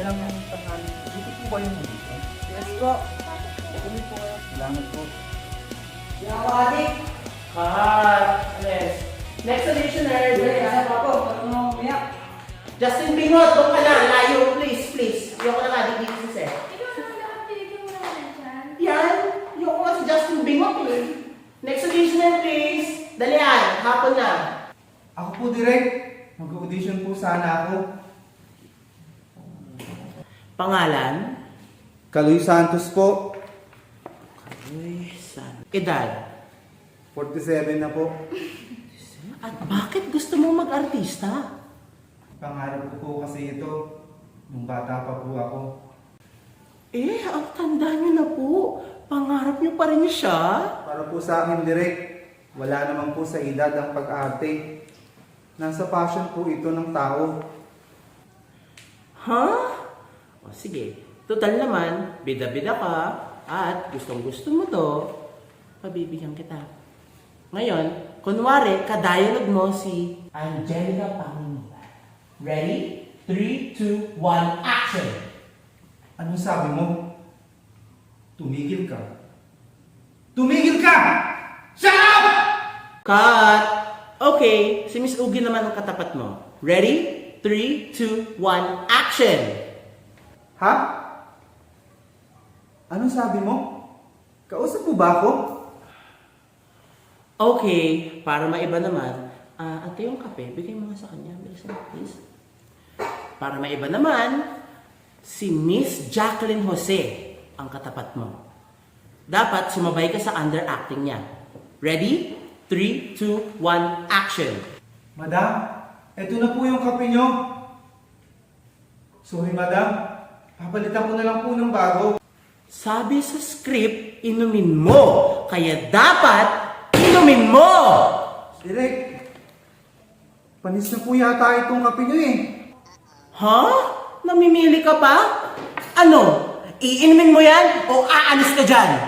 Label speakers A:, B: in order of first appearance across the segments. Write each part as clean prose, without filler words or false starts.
A: magandang tanghali. Dito po ba yung dito?
B: Yes po.
A: Tuloy po kayo. Salamat po.
B: Yawadik.
C: Cut! Yes. Next auditioner.
B: Kaya pa po. Ano umiyak?
C: Justin Bingot, doon ka na. Layo, please, please. Yung ka na nga, dito si Seth.
D: Ikaw naman dapat tinigil mo naman yan.
C: Yan. Yung ka si Justin Bingot eh. Next auditioner, please. Dalian, hapon na.
A: Ako po direct. Mag-audition po sana ako.
C: Pangalan?
A: Kaloy Santos po.
C: Uy, san. Edad?
A: 47 na po.
C: At bakit gusto mo mag-artista?
A: Pangarap ko po kasi ito. Nung bata pa po ako.
C: Eh, ang tanda niyo na po. Pangarap niyo pa rin siya?
A: Para po sa akin direct. Wala naman po sa edad ang pag-arte. Nasa passion po ito ng tao.
C: Ha? O sige, total naman, bida-bida ka, at gustong-gusto mo to, pabibigyan kita. Ngayon, kunwari, ka-dialogue mo si Angelica Panginoon. Ready? 3, 2, 1, action!
A: Anong sabi mo? Tumigil ka. Tumigil ka! Shut up!
C: Cut! Okay, si Miss Ugi naman ang katapat mo. Ready? 3, 2, 1, action!
A: Ha? Anong sabi mo? Kausap mo ba ako?
C: Okay, para maiba naman, ate yung kape, bigay mo nga sa kanya. Bilisan mo, please. Para maiba naman, si Miss Jacqueline Jose ang katapat mo. Dapat sumabay ka sa underacting niya. Ready? 3, 2, 1, action!
A: Madam, eto na po yung kape nyo. Sorry, madam. Papalitan ko na lang po ng bago.
C: Sabi sa script, inumin mo. Kaya dapat, inumin mo!
A: Direk, panis na po yata itong kape nyo eh.
C: Ha? Namimili ka pa? Ano? Iinumin mo yan o aalis ka dyan?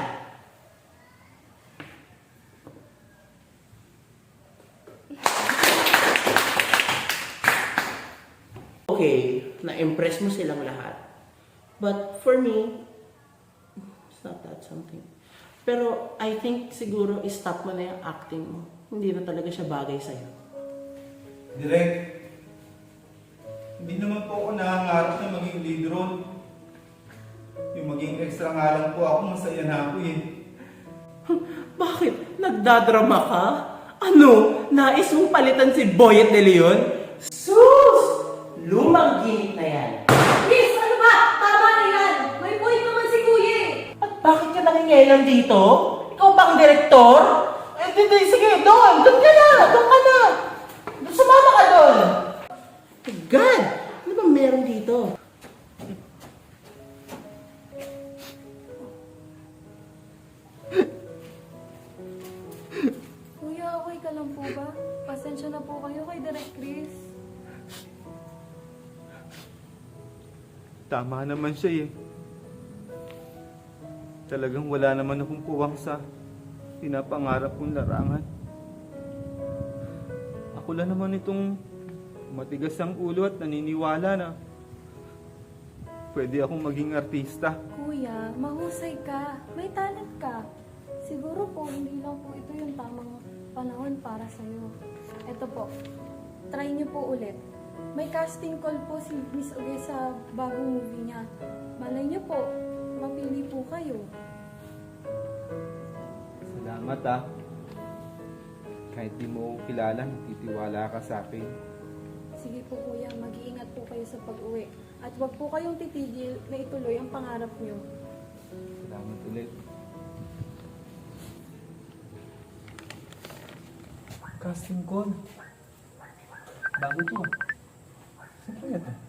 C: Okay, na-impress mo silang lahat. But for me, it's not that something. Pero I think siguro i-stop mo na yung acting mo. Hindi na talaga siya bagay sa'yo.
A: Direk, hindi naman po ako nangangarap na maging lead role. Yung maging extra nga lang po ako, masaya na ako eh.
C: Bakit? Nagdadrama ka? Ano? Nais mong palitan si Boyet de Leon? Sus! Lumang ginit na yan.
D: Miss, ano ba? Tama na yan. May point naman si Kuya eh.
C: At bakit ka nangingialam dito? Ikaw ba ang direktor? Eh, sige, doon! Doon ka na! Doon ka na! Sumama ka doon! God! Ano ba meron dito?
D: Kuya, okay ka lang po ba? Pasensya na po kayo kay Direk Chris.
A: Tama naman siya eh. Talagang wala naman akong puwang sa pinapangarap kong larangan. Ako lang naman itong matigas ang ulo at naniniwala na pwede akong maging artista.
D: Kuya, mahusay ka. May talent ka. Siguro po, hindi lang po ito yung tamang panahon para sa'yo. Ito po, try niyo po ulit. May casting call po si Miss Uge sa bagong movie niya. Malay niyo po, mapili po kayo.
A: Salamat ah. Kahit di mo ako kilala, titiwala ka sa akin.
D: Sige po kuya, mag-iingat po kayo sa pag-uwi. At huwag po kayong titigil na ituloy ang pangarap niyo.
A: Salamat ulit. Casting call. Bago to. Saan kaya to?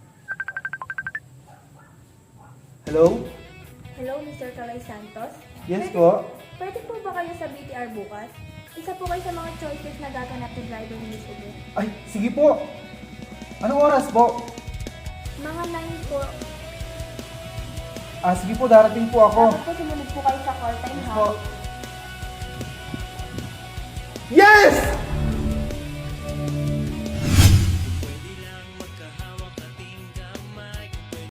A: Hello?
E: Hello, Mr. Kaloy Santos.
A: Yes po.
E: Pwede po ba kayo sa BTR bukas? Isa po kayo sa mga choices na gaganap ni driver ni Miss Ugo.
A: Ay, sige po. Anong oras po?
E: Mga 9 po.
A: Sige po, darating po ako.
E: Dapat po sumunod po kayo sa call time,
A: Yes
E: ha?
A: po. Yes!